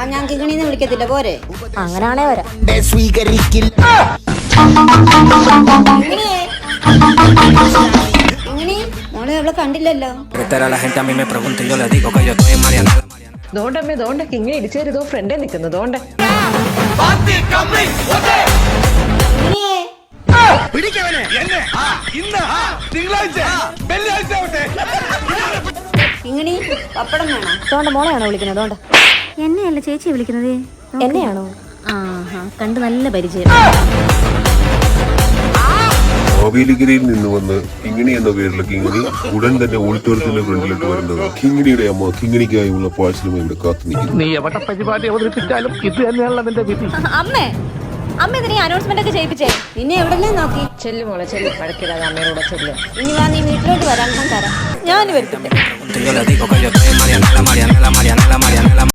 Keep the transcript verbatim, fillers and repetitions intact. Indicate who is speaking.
Speaker 1: ഞാൻ കിങ്ങിണിന്ന് വിളിക്കത്തില്ല പോരെ?
Speaker 2: അങ്ങനാണേ വരാം.
Speaker 1: കിങ്ങിണി മോളെ അവളെ കണ്ടില്ലല്ലോ.
Speaker 3: ദോണ്ടമ്മേ ദോണ്ട കിങ്ങിണി ഇടിച്ചേരുതോ ഫ്രണ്ടേ നിൽക്കുന്നു ദോണ്ട.
Speaker 1: കിങ്ങിണി പപ്പടം വേണം.
Speaker 2: ദോണ്ട മോളെയാണോ വിളിക്കുന്നത്? ദോണ്ട
Speaker 4: എന്നെയല്ല ചേച്ചി വിളിക്കുന്നത്.
Speaker 2: എന്നെയാണോ?
Speaker 4: ആഹാ കണ്ട് നല്ല പരിചയം.
Speaker 5: മാവേലിക്കരയിൽ നിന്ന് വന്ന് കിങ്ങിണി എന്ന പേരിലുള്ള കിങ്ങിണി ഉടൻ തന്നെ ഓഡിറ്റോറിയത്തിന്റെ ഫ്രണ്ടിലിട്ട് വരുന്നത് കിങ്ങിണിയുടെ അമ്മ കിങ്ങിണിക്കായുള്ള പാഴ്സലുമായി ഇവിടെ കാത്തു നിൽക്കുന്നു.
Speaker 6: നീ എവിടെ പരിപാടി അവതരിപ്പിച്ചാലും ഇത് തന്നെയാണല്ലോ നിന്റെ വിധി.
Speaker 2: അമ്മേ അമ്മ ഇതിനെ അനൗൺസ്മെന്റ് ഒക്കെ ചെയ്യിപ്പിച്ചേ.
Speaker 1: നിന്നെ എവിടെല്ലാം നോക്കി?
Speaker 3: ചെല്ലു മോളെ ചെല്ലു പഴക്കിടാതെ അമ്മയോടെ ചെല്ലു.
Speaker 1: ഇനി വാ നീ വീട്ടിലോട്ട് വരാൻ തരാം.
Speaker 2: ഞാൻ വരുത്തില്ല.